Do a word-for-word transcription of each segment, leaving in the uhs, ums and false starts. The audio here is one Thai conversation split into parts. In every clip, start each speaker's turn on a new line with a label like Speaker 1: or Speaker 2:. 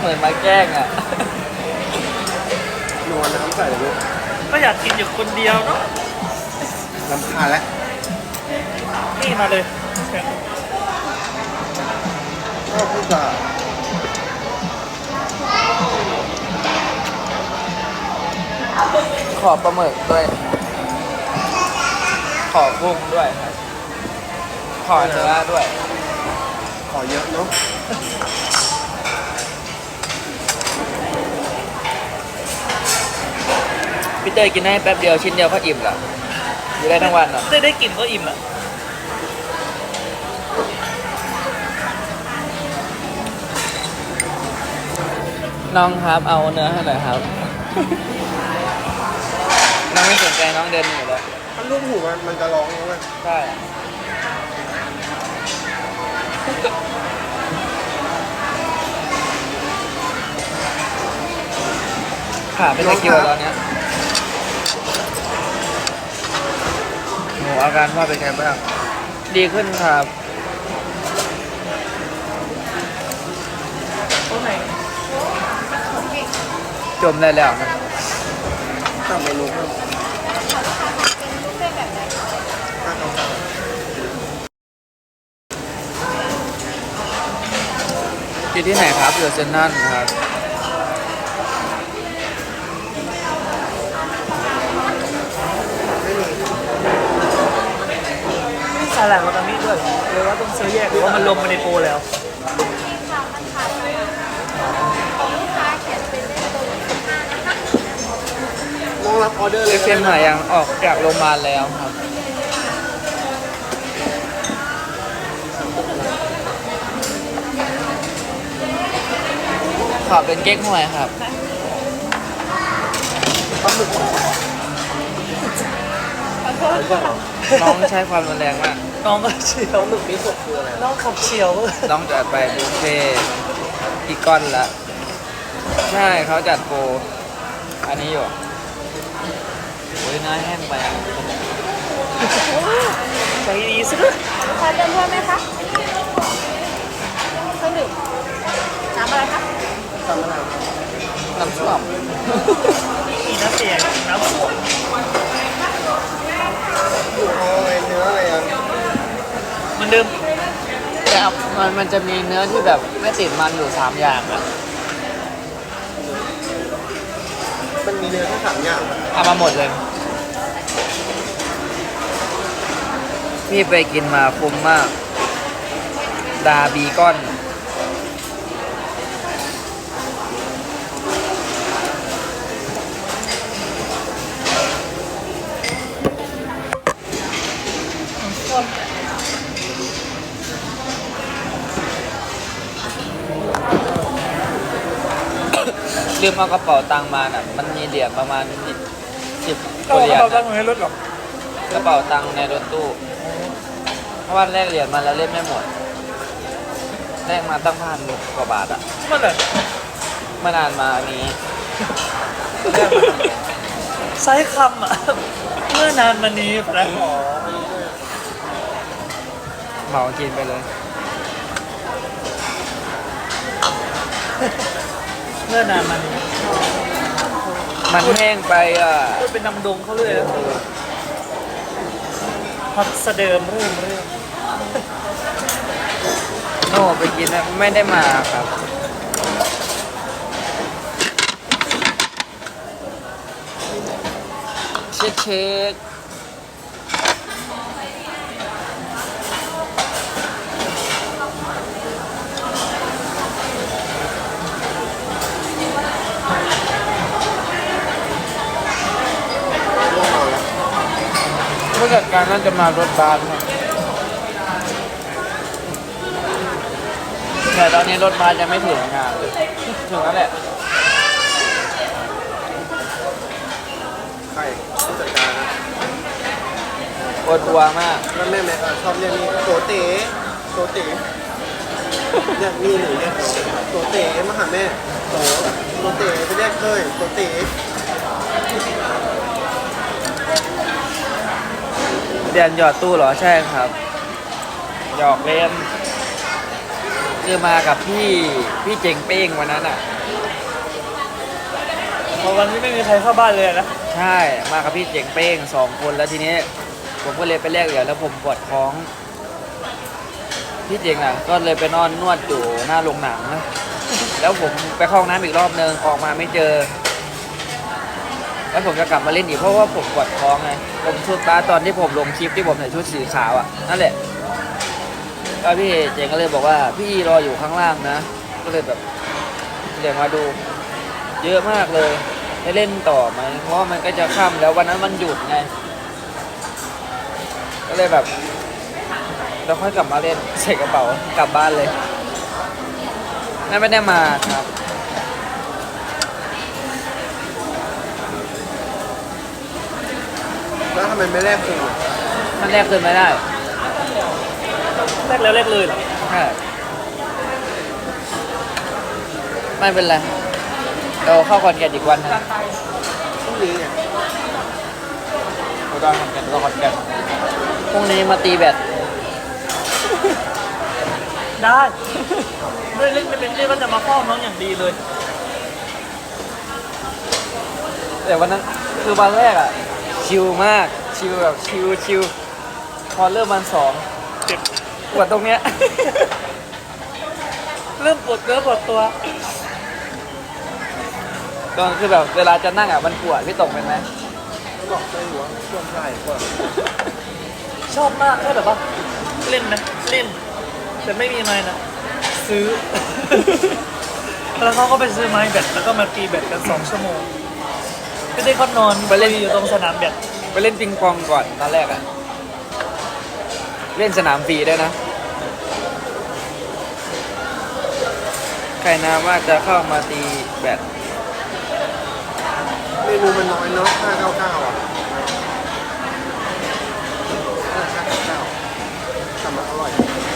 Speaker 1: เหมือนมาแกล้งอ่ะ
Speaker 2: นวลน้ำใส่เลยลูก
Speaker 3: ก็อยากกินอยู่คนเดียวเนาะ
Speaker 2: น้ำคาแล้ว
Speaker 3: นี่มาเลย
Speaker 2: ชอบพูดจา
Speaker 1: ขอปลาหมึกด้วย ขอกุ้งด้วย ขอเนื้อด้วย
Speaker 2: ขอเยอะเนาะ
Speaker 1: พี่เตยกินให้แป๊บเดียวชิ้นเดียวก็อิ่มละอยู่ได้ทั้งวันเหรอ
Speaker 3: ได้ได้กินก็อิ่มละ
Speaker 1: น้องครับเอาเนื้อให้หน่อยครับ น้องไม่สนใจน้องเดินหนีเลย
Speaker 2: ถ้าลูกหูมันมันจะร้องนะเว้ย
Speaker 1: ใช่ขาเป็นตะกิวตอนนี้หนูอาการว่าเป็นไงบ้างดีขึ้นครับจมได้แล้วนะ
Speaker 2: ทำเมนูเพิ่ม
Speaker 1: อยู่ที่ไหนครับอยู่เซนนั่นครับ
Speaker 3: สาหร่ายมันมีด้วยเลยว่าต้องซื้อแยกหรือว่ามันลงมาในโปรแล้ว
Speaker 2: น้องรับออเดอร์เลย
Speaker 1: เค็มหายยังออกจากโรงพยาบาลแล้วครับขอเป็นเก๊กฮวยครับ
Speaker 2: ปลาหมึก
Speaker 1: น้องใช้ความรุนแรงมาก
Speaker 3: น้องก็เฉียว
Speaker 2: หมึกนี้สดคืออะไร
Speaker 3: น้องขับเฉียว
Speaker 1: น้องจัดไปบุฟเฟ่อีกก้อนละใช่เขาจัดโปรอันนี้อยู่โอ้ยน้าแห้งไปอ่ะ
Speaker 3: ใจดีซะด้วย
Speaker 4: ขอเติมเพิ่มไหมคะเครื่องดื่มน้ำอะไรคะ
Speaker 2: ทำอะไร
Speaker 1: น้ำส้ม
Speaker 3: อีน้ำเสียงน้ำส้ม
Speaker 2: อยู่เอาอะไรเนื้ออะไรอ่ะ
Speaker 3: มันเดิม
Speaker 1: แต่มันมันจะมีเนื้อที่แบบไม่ติดมันอยู่สามอย่างอะ
Speaker 2: มันมีเนื้อแค่สามอย่าง
Speaker 1: เอามาหมดเลยพี่ไปกินมาคุ้มมากดาบีก้อนลืมเอากระเป๋าตังค์มาน่ะมันมีเหรียญประมาณสิบ
Speaker 3: ก็
Speaker 1: เหรียญ
Speaker 3: กระเป๋าตังค์ให้รถหรอก
Speaker 1: กระเป๋าตังค์ในรถตู้เพราะว่าแลกเหรียญมาแล้วเล่นไม่หมดแลกมาตั้งพันกว่าบาทอ่ะ
Speaker 3: เมื่อไหร่
Speaker 1: เมื่อนานมานี้
Speaker 3: ใช้คำอ่ะเมื่อนานมานี้แปลหอ
Speaker 1: เหมากินไปเลย
Speaker 3: เมื่อนานมานี้
Speaker 1: มันแห้งไปอ่ะ
Speaker 3: เป็นน้ำดงเขาเลยนะฮอตสเดิมเริ่มเริ่ม
Speaker 1: โน่ไปกินนะไม่ได้มาครับเช็คเช็คผู้จัดการน่าจะมารถบัสแต่ตอนนี้รถบัสยังไม่ถึงงานเลยถึงแล้วแหละ
Speaker 2: ใครผู้จัดการนะ
Speaker 1: ปวดหัวมาก
Speaker 2: แล้วแม่แม่ชอบเรียกนี่โตเต๋โตเต๋เนี่ยมีหนูเนี่ยโตเต๋มาหาแม่โตโตเต๋ไปเรียกเคยโตเต๋
Speaker 1: เรียนหยอดตู้เหรอใช่ครับหยอกเล่นคือมากับพี่พี่เจ๋งเป้งวันนั้นอ่ะ
Speaker 3: พอวันนี้ไม่มีใครเข้าบ้านเลยนะ
Speaker 1: ใช่มากับพี่เจ๋งเป้งสองคนแล้วทีนี้ผมก็เลยไปแลกเหรียญแล้วผมปวดท้องพี่เจ๋งอ่ะก็เลยไปนอนนวดอยู่หน้าโรงหนังนะแล้วผมไปเข้าห้องน้ำอีกรอบนึงออกมาไม่เจอ แล้วผมจะกลับมาเล่นอีกเพราะว่าผมปวดท้องไงผมชุดตาตอนที่ผมลงคลิปที่ผมใส่ชุดสีขาวอ่ะนั่นแหละแล้วพี่เจ๋งก็เลยบอกว่าพี่รออยู่ข้างล่างนะก็เลยแบบเดี๋ยวมาดูเยอะมากเลยได้เล่นต่อไหมเพราะว่ามันก็จะค่ำแล้ววันนั้นมันหยุดไงก็เลยแบบเราค่อยกลับมาเล่นใส่กระเป๋ากลับบ้านเลยนั่นไม่ได้มาครับ
Speaker 2: แล้วทำไมไม่แลกคืน
Speaker 1: มันแรกคืนไม่ได้
Speaker 3: แรกแล้วแรกเลยเหรอ
Speaker 1: ใช่ไม่เป็นไรเราเข้าคอนแกนอีกวันหนึง
Speaker 2: พรุ่งนี้ไง
Speaker 1: เราต้องคอนแกนเราคอนแกนพรุ่งนี้มาตีแบด
Speaker 3: ได้ด้วยเล่นไม่เป็นเล่นก็จะมาเฝ้าน้องอย่างดีเลย
Speaker 1: แต่วันนั้นคือวันแรกอ่ะชิลมากชิลแบบชิลชิลพอเริ่มวันสอง
Speaker 3: เจ็บ
Speaker 1: ปวดตรงเนี้ย
Speaker 3: เริ่มปวดเนื้อปวดตัว
Speaker 1: ตอนคือแบบเวลาจะนั่งอ่ะมันปวดพี่ตกเป็นไหม
Speaker 2: เขาบอกไม่หัวช่วงใช่ก็
Speaker 3: ชอบมากแค่แบบว่าเล่นนะเล่น แต่ไม่มีไม้นะซื้อ แล้วเขาก็ไปซื้อไม้แบตแล้วก็มาตีแบตกันสองชั่วโมงก็ได้เขานอนไปเล่นอยู่ตรงสนามแบต
Speaker 1: ไปเล่นปิงปองก่อนตอนแรกอ่ะเล่นสนามฟรีด้วยนะใครนะว่าจะเข้ามาตีแบด
Speaker 2: เมนูมันน้อยเนาะห้าเก้าเก้าอ่ะห้าเก้าเก้าแต่มันอร่อย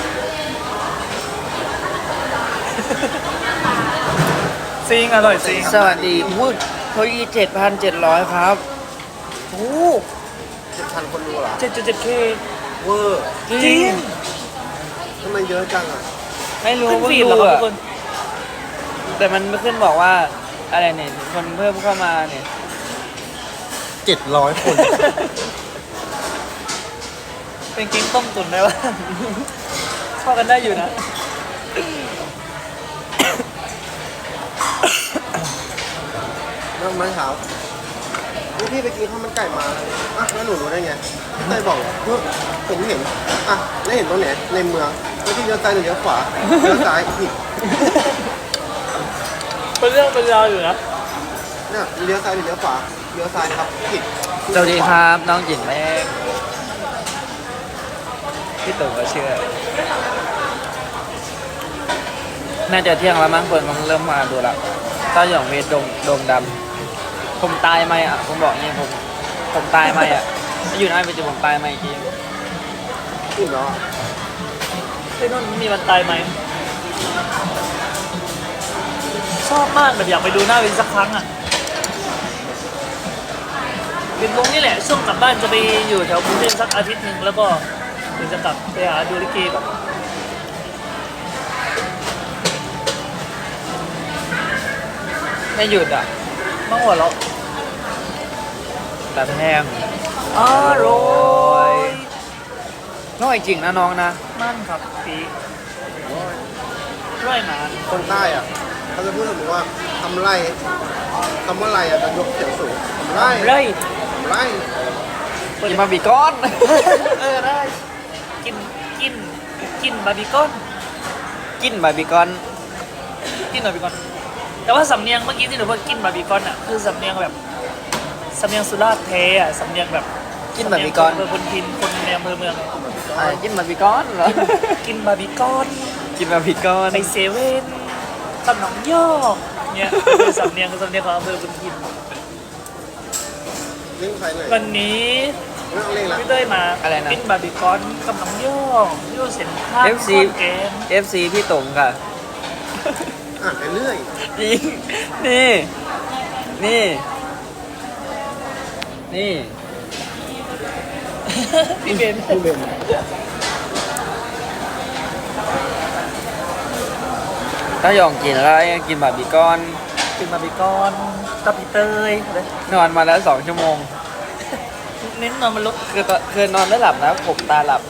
Speaker 3: ซิงอร่อยซิง
Speaker 1: สวัสดีพูดเขาอีเจ็ดพันเจ็ดร้อยครับ
Speaker 3: โอ้
Speaker 2: เจ็ดพันคนดูเหรอ
Speaker 3: เจ็ดจุดเจ็ดเค
Speaker 2: เวอร์
Speaker 3: จริง
Speaker 2: ทำไมเยอะจังอ่ะ
Speaker 1: ไม่รู้
Speaker 3: ขึ้น
Speaker 1: ว่า
Speaker 3: ฟีด
Speaker 1: ดู
Speaker 3: เหรอครับทุ
Speaker 1: อะ
Speaker 3: กคน
Speaker 1: แต่มันไม่ขึ้นบอกว่าอะไรเนี่ยคนเพิ่มเข้ามาเนี่ย
Speaker 2: เจ็ดร้อยคน
Speaker 3: เป็นกิ้งต้มตุ๋นได้ปะ เข้ากันได้อยู่นะ
Speaker 2: แล้วไม้เท้านี่พี่ไปกินข้าวมันไก่มาอ่ะแล้วหนูรู้ได้ไงพี่เต้ยบอกเฮ้ยเห็นเห็นอ่ะแล้วเห็นตรงไหนในเมืองแล้วพี่เลี้ยวซ้ายหรือเลี้ยวขวาเลี้ยวซ้ายผิด
Speaker 3: เป็นเรื่องเป็นราวอยู่นะ
Speaker 2: เนี่ยเลี้ยวซ้ายหรือเลี้ยวขวาเลี้ยวซ้ายครับผิด
Speaker 1: สวัสดีครับน้องหญิงแม่พี่ตู่ก็เชื่อ น่าจะเที่ยงแล้วมั้งเปิดมันเริ่มมาดูละต้าหยองเพชรดงดงดำผมตายไหมอ่ะผมบอกอย่างนี้ผมผมตายไหมอ่ะอยู่นะเป็นจะผมตายไหมจริง
Speaker 2: ผิดเหรอ
Speaker 3: ไอ้นนท์มีวันตายไหม ชอบมากแบบอยากไปดูหน้าเวนสักครั้งอ่ะเป็นวงนี่แหละช่วงกลับบ้านจะไปอยู่แถวกรุงเทพสักอาทิตย์หนึ่งแล้วก็เดี๋ยวจะกลับไปหาดูลิเกแบบ
Speaker 1: ไม่หยุดอ่ะ
Speaker 3: มาหัวเราะ
Speaker 1: แต่แห้ง
Speaker 3: อร่อย
Speaker 1: น้อยจริงนะน้องนะ
Speaker 3: มั่นครับปีร้อยหมา
Speaker 2: คนใต้อ่ะเขาจะพูดถึงว่าทำไรคำว่าไรอ่ะจะยกเสียงสูงทำไร
Speaker 3: ไร่
Speaker 2: ทำไร
Speaker 1: กินมาบีก้อน
Speaker 3: เออได้กินกินกินบาร์บีคอน
Speaker 1: กินบาร์บีคอน
Speaker 3: กินบาร์บีคอนแต่ว่าสำเนียงเมื่อกี้ที่หนูพูดกินบาร์บีคอนอ่ะคือสำเนียงแบบสำเนียงสุราษฎร์แท้อ่ะสำเนียงแบบ
Speaker 1: กินบาร์บีคอน
Speaker 3: สำเนียงคนพินคนในอำเภอเมือง
Speaker 1: อ่ากินบาร์บีคอนเหรอ
Speaker 3: กินบาร์บีคอน
Speaker 1: กินบาร์บีคอน
Speaker 3: ไปเซเว่นตำหนองยอกเนี่ยคือสำเนียงคือสำเนียงของอำเภอพุนพิน
Speaker 2: เล่นใครหน่อย
Speaker 3: วันนี้
Speaker 2: ไม่ต้องเล่นละ
Speaker 3: พี่เต้ยมา
Speaker 1: อะไรนะ
Speaker 3: กินบาร์บีคอนกับหนองยอกยูเซนท่า
Speaker 1: เอฟซี
Speaker 3: ข้อนแกน
Speaker 1: เอฟซีพี่ตงค่ะ
Speaker 2: อ่านไปเรื่อย
Speaker 1: จริงนี่ นี่ นี่
Speaker 3: พี่เบน
Speaker 2: พี่เบน
Speaker 1: ถ้าหยองกินแล้วกินบาร์บีคอน
Speaker 3: กินบาร์บีคอนกับพี่เตยเลย
Speaker 1: นอนมาแล้วสองชั่วโมง
Speaker 3: เน้นนอนบนรถ
Speaker 1: คือตอนคือนอนไม่หลับนะผมตาหลับ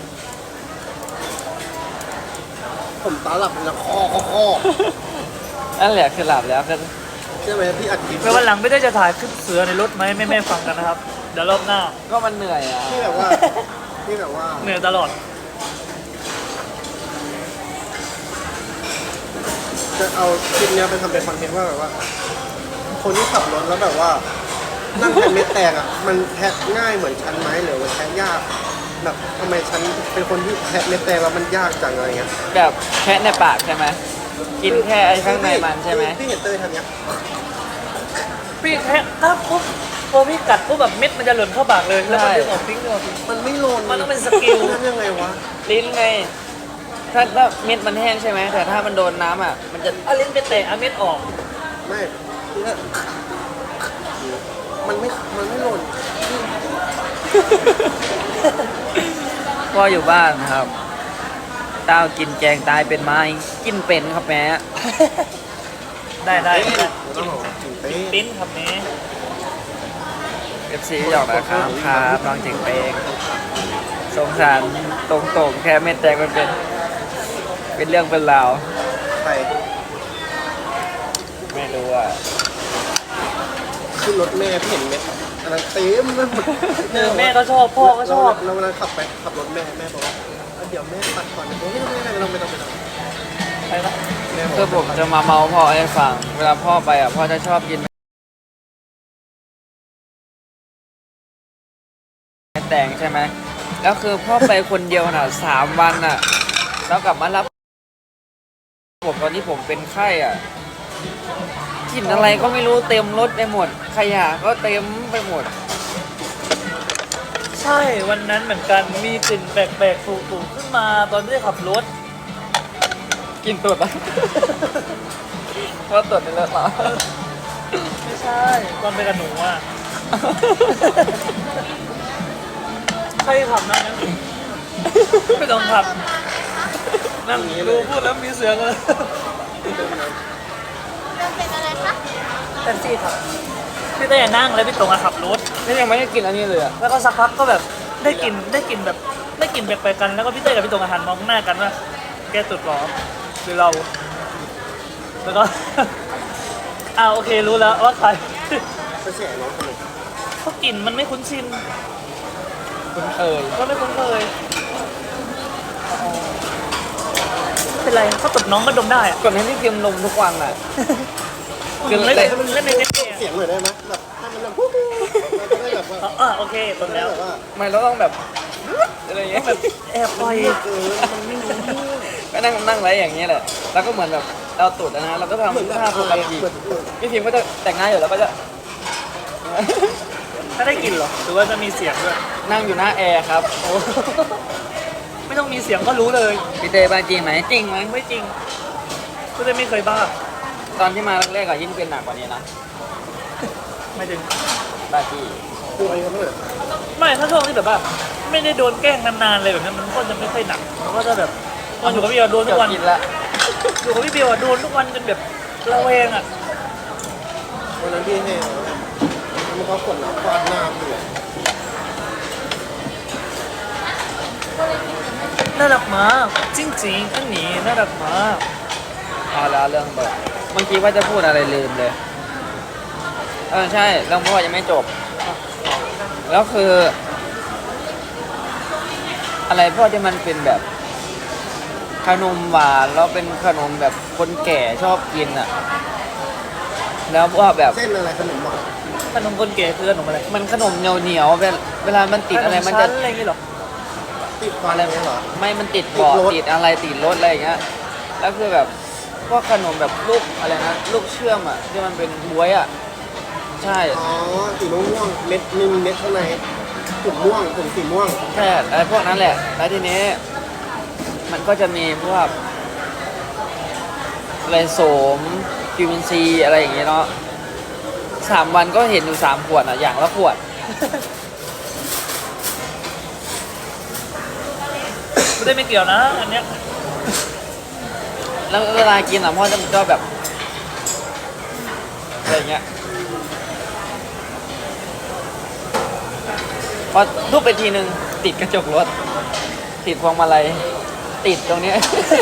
Speaker 2: ผมตาหลับแล้วคอคอคอ
Speaker 1: นั่นแหละคือหลับแล้วคือ
Speaker 2: ใช่ไหมพี่อัดคลิป
Speaker 3: ไปวันหลังไม่ได้จะถ่ายคลิปเสือในรถไหมแม่แม่ๆฟังกันนะครับ เดี๋ยวรอบหน้า
Speaker 1: ก็มันเหนื่อยอ่ะ
Speaker 2: ที่แบบว่าที่แบบว่า
Speaker 3: เหนื่อยตลอด
Speaker 2: จะเอาคลิปเนี้ยไปทำเป็นคอนเทนต์ว่าแบบว่า คนที่ขับรถแล้วแบบว่า นั่งแทนเม็ดแตกอ่ะมันแทะง่ายเหมือนฉันไหมหรือว่าแทะยากแบบทำไมฉันเป็นคนที่แทะเม็ดแตกแล้วมันยากจังอะไรเงี้ย
Speaker 1: แบบแค่ในปากใช่ไหมกินแค่ไอ้ข้างในมันใช่ไหม
Speaker 2: พี่เห็นเตยทำเนี้ย
Speaker 3: พี่แค่ถ้าปุ๊บพอพี่กัดปุ๊บแบบเม็ดมันจะหล่นเข้าปากเลยแล้วมันดึงออกทิ้งดึงออกทิ้ง
Speaker 2: มันไม่โลน
Speaker 3: มันต้องเป็นสกิล
Speaker 2: นั่นยังไงวะ
Speaker 1: ลิ้นไงถ้าถ้าเม็ดมันแห้งใช่ไหมแต่ถ้ามันโดนน้ำอ่ะมันจะ
Speaker 3: เอาลิ้นไปแตะเอาเม็ดออก
Speaker 2: ไม่คือถ้ามันไม่ มันไม่โลน
Speaker 1: พ่ออยู่บ้านครับเต้ากินแกงตายเป็นไม้กินเป็นครับแม่
Speaker 3: ได้ได้
Speaker 2: เอ๊ะ
Speaker 3: ได้
Speaker 2: ต้องบอกว่ากินเป๊ะ
Speaker 3: ปิ้นครับนี้
Speaker 1: เอฟซีหยอกนะครับครับน้องเจ๋งเปงสงสารตรงๆแค่เม็ดแตกมันเป็น เป็นเรื่องเป็นราว
Speaker 2: ไป
Speaker 1: ไม่รู้อ่ะ
Speaker 2: ขึ้นรถแม่พี่เห็นเม็ดอันนั้นเต็มไปหมด
Speaker 3: เออแม่ก็ชอบพ่อก็ชอบ
Speaker 2: แล้วเวลาขับไปขับรถแม่แม่บอกว่าเอาเดี๋ยวแม่ตัดก่อนนะไม่ต้องไม่ต้องไม่ต้องไม่ต้อง
Speaker 3: ไปละ
Speaker 2: แม่บอก
Speaker 1: คือผมจะมาเมาพ่อให้ฟัง เวลาพ่อไปอ่ะพ่อจะชอบกินแตงใช่ไหมแล้วคือพ่อไปคนเดียวน่ะสามวันน่ะ แล้วกลับมารับผมตอนที่ผมเป็นไข้อ่ะกลิ่นอะไรก็ไม่รู้เต็มรถไปหมด ขยะก็เต็มไปหมด
Speaker 3: ใช่วันนั้นเหมือนกันมีกลิ่นแปลกๆฝูๆขึ้นมาตอนที่ขับรถ
Speaker 1: กินตุดอ่ะ ว่าตุดในรถเหรอ
Speaker 3: ไม่ใช่ตอนไปกับหนูอ่ะใครขับนั่งนั้นไม่ต้องขับนั่งดูพูดแล้วมีเสียงเลย
Speaker 4: เริ่มเป็นอะไรคะ
Speaker 3: แท็กซี่ครับพี่เต้นั่งแล้วพี่ตรงอะขับรถ
Speaker 1: นี่ยังไม่ได้กินอันนี้เลยอ่ะ
Speaker 3: แล้วก็สักพักก็แบบได้กลิ่นได้กลิ่นแบบได้กลิ่นแปลกๆกันแล้วก็พี่เต้กับพี่ตรงอาหารมองหน้ากันว่าแกตุดหรอหรือเรา แล้วก็ อ่าโอเครู้แล้วว่าใคร
Speaker 2: ไปแฉน้องคนหนึ่ง
Speaker 3: เพราะกลิ่นมันไม่คุ้นชิน
Speaker 1: คุณเคย
Speaker 3: ก็ไม่คุ้นเคยไม่เป็นไรเขาตบน้องก็ดมได้อะ
Speaker 1: ก่อนให้พี่พิมพ์ลงทุกวันอ่ะ
Speaker 3: เล่นเล่นเล่นในเน็ต
Speaker 2: เสียงหน่อยได้ไหมแบบให้มันแบบปุ๊บเราจะได้แบบว่า
Speaker 3: อ่าโอเคตบ
Speaker 2: ได้
Speaker 3: แล้ว
Speaker 2: แบบว่า
Speaker 1: ไม่เราต้องแบบอะไรอย่างเงี้ยแบบ
Speaker 3: แอบปล่อย
Speaker 2: เออมันไม่รู้เรื่อง
Speaker 1: ก็นั่งนั่งไรอย่างเงี้ยแหละ แล้วก็เหมือนแบบเราตุดนะเราก็
Speaker 2: เหมือน
Speaker 1: ทำ
Speaker 2: แบบ
Speaker 1: ท่าปก
Speaker 2: อาย
Speaker 1: ติ
Speaker 2: เหมือนเหมือน
Speaker 1: พี่พิมก็จะแต่งหน้าอยู่แล้วก็จะ
Speaker 3: ถ้าได้กลิ่นเหรอหรือว่าจะมีเสียงด้วย
Speaker 1: นั่งอยู่หน้าแอร์ครับ
Speaker 3: โอ้ไม่ต้องมีเสียงก็รู้เลย
Speaker 1: พี่เต้บ้าจริงไหมจริงไหม
Speaker 3: ไม่จริงพี่เต้ไม่เคยบ้า
Speaker 1: ตอนที่มาแรกๆอะยิ่งเป็นหนักกว่านี้นะ
Speaker 3: ไม่ถึง
Speaker 1: บ้าจี้
Speaker 2: ป่วยกันเลย
Speaker 3: ไม่ถ้าช่วงที่แบบว่าไม่ได้โดนแกล้งนานๆเลยแบบนั้นมันก็จะไม่ค่อยหนักมันก็จะแบบตอนอยู่กับพี่เบลโดนทุกวัน
Speaker 1: กินละ
Speaker 3: อยู่กับพี่เบลอะโดนทุกวันจนแบบระแวงอะ
Speaker 2: วันนั้นพี่ให้แล้วมันก็ขวดน้ำฟาดหน้าพี่เลย
Speaker 3: น่ารักมากจริงๆอันนี้น่ารักมาก
Speaker 1: เอาแล้วเรื่องเบิร์เมื่อกี้ว่าจะพูดอะไรลืมเลย เออใช่เรื่องพ่อยังไม่จบ แล้วคือ อะไรพ่อที่มันเป็นแบบ ขนมหวานแล้วเป็นขนมแบบคนแก่ชอบกินอ่ะ แล้วพ่อแบบ
Speaker 2: เส้นอะไรขนมหวาน
Speaker 3: ขนมคนเก๋คือขนมอะไร
Speaker 1: มันขนมเหนียวเหนียวๆเวลาเวลามันติดอะไรมันจะ
Speaker 3: ขชั้อะไรอย่างงี้เหรอ
Speaker 2: ติดฟันอะไรเหรอ
Speaker 1: ไม่มันติดเบาะ
Speaker 2: ติดรถ
Speaker 1: ติดอะไรติดรถอะไรอย่างเงี้ย แล้วคือแบบพวกขนมแบบลูกอะไรนะลูกเชื่อมอ่ะที่มันเป็นบวยอ่ะ ใช่
Speaker 2: อ๋อสีม่วงๆเม็ดมีเม็ดข้างในถุงม่วงถุงสีม่วง
Speaker 1: แค่อะไรพวกนั้นแหละ แล้วทีนี้ มันก็จะมีพวกอะไรโสมวิตามินซีอะไรอย่างเงี้ยเนาะสามวันก็เห็นอยู่สามขวดอ่ะอย่างละขวด
Speaker 3: ไม่ได้ไม่เกี่ยวนะอันเนี้ย
Speaker 1: แล้วเวลากินอ่ะพ่อจะก็แบบอะไรเงี้ยพอทุบไปทีนึงติดกระจกรถ ติดพวงมาลัยติดตรงเนี้ย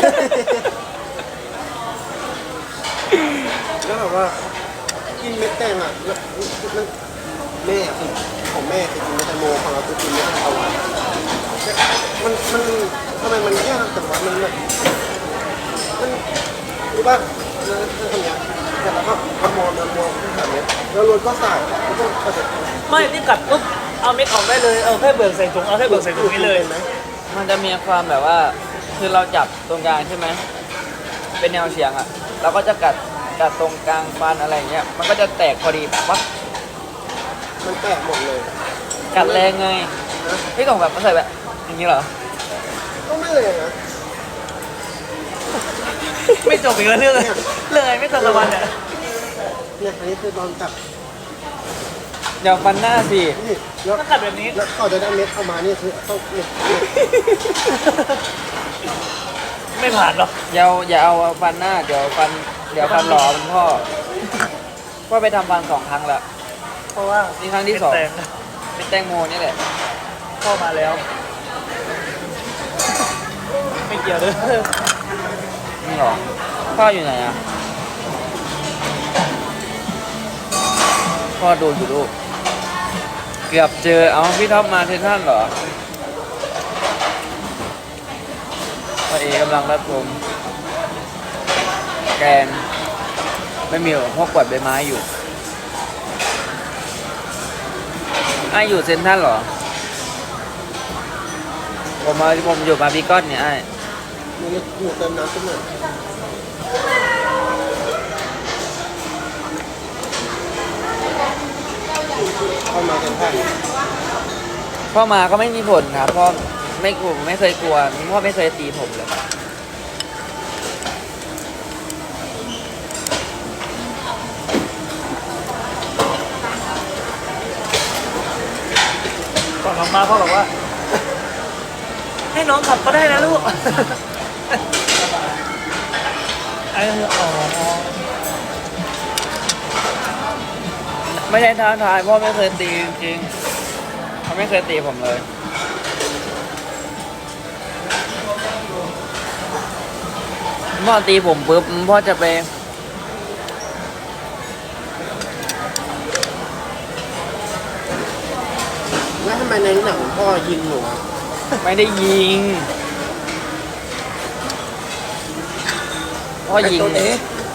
Speaker 2: แล้วแบบว่ากินเม็ดแตงอ่ะแล้วแล้วแม่คือของแม่คือกินเม็ดแตงโมของเราคือกินเม็ดแตงกวามันมันทำไมมันยากแต่ว่ามันแบบมันรู้ป่ะนะทำอย่างเงี้ยแต่เราก็เอามองเอามองแบบนี้แล้วรถก็ใส่แล้วก็กระจก
Speaker 3: ไม่นี่กัดปุ๊บเอาเม็ดออกได้เลยเอาแค่เบิกใส่ถุงเอาแค่เบิกใส่ถุงนี้เลย
Speaker 2: ไหม
Speaker 1: มันจะมีความแบบว่า คือเราจับตรงกลางใช่ไหมเป็นแนวเฉียงอ่ะ เราก็จะกัดกัดตรงกลางฟันอะไรเงี้ยมันก็จะแตกพอดีแบบว่า
Speaker 2: มันแตกหมดเลย
Speaker 1: กัดแรงไง
Speaker 2: นะ
Speaker 1: พี่กล่องแบบมันใส่แบบอย่างนี้เหรอ
Speaker 2: ก็ไม่เลยนะ
Speaker 3: ไม่จบอีกแล้วเรื่องเลยเลยไม่ตัดตะวันเนี่ย
Speaker 2: เนี่ยอันนี้คือตอนจับ
Speaker 1: เดี๋ยวฟันหน้าสิ
Speaker 2: นี่แล้ว
Speaker 3: ต้องกัดแบบนี้
Speaker 2: แล้วเขาจะได้เม็ดเอามานี่คือต้องเนี่ยเนี่ย
Speaker 3: ไม่ผ่านหรอก
Speaker 1: อย่าเอาอย่าเอาฟันหน้าเดี๋ยวฟันเดี๋ยวฟันหล่อมันพ่อพ่อไปทำฟันสองครั้งแล้ว
Speaker 3: เพราะว่า
Speaker 1: นี่ครั้งที่สอง
Speaker 3: เป็นแตง
Speaker 1: เป็นแตงโมนี่แหละ
Speaker 3: พ่อมาแล้ว ไม่เกี่ยวเลย
Speaker 1: นี่หรอพ่ออยู่ไหนอ่ะพ่อดูอยู่ลูกเกือบเจอเอาพี่ท็อปมาเทนท่านเหรอพ่อเอกำลังรับชมแกงไม่มีหรอกพ่อกวาดใบไม้อยู่ไอ้อยู่เซนทรันเหรอผมมาผมอยู่บาร์บีคอนเนี่ยไอ้
Speaker 2: นี่หนูเติมน้ำขึ้นหน่อยเข้ามากันแค่
Speaker 1: พ่อมาก็ไม่มีผลครับพ่อไม่กลัวไม่เคยกลัวพ่อไม่เคยตีผมเลย
Speaker 3: ก่อนออกมาพ่อบอกว่า ให้น้องขับก็ได้นะลูก ไอ้อ๋อ
Speaker 1: ไม่ใช่ท้าทายพ่อไม่เคยตีจริงๆเขาไม่เคยตีผมเลยพ่อตีผมปุ๊บพ่อจะไป
Speaker 2: แล้วทำไมในหนังพ่อยิงหนูอะ
Speaker 1: ไม่ได้ยิงพ่อยิง
Speaker 2: ไอ้ตัวนี้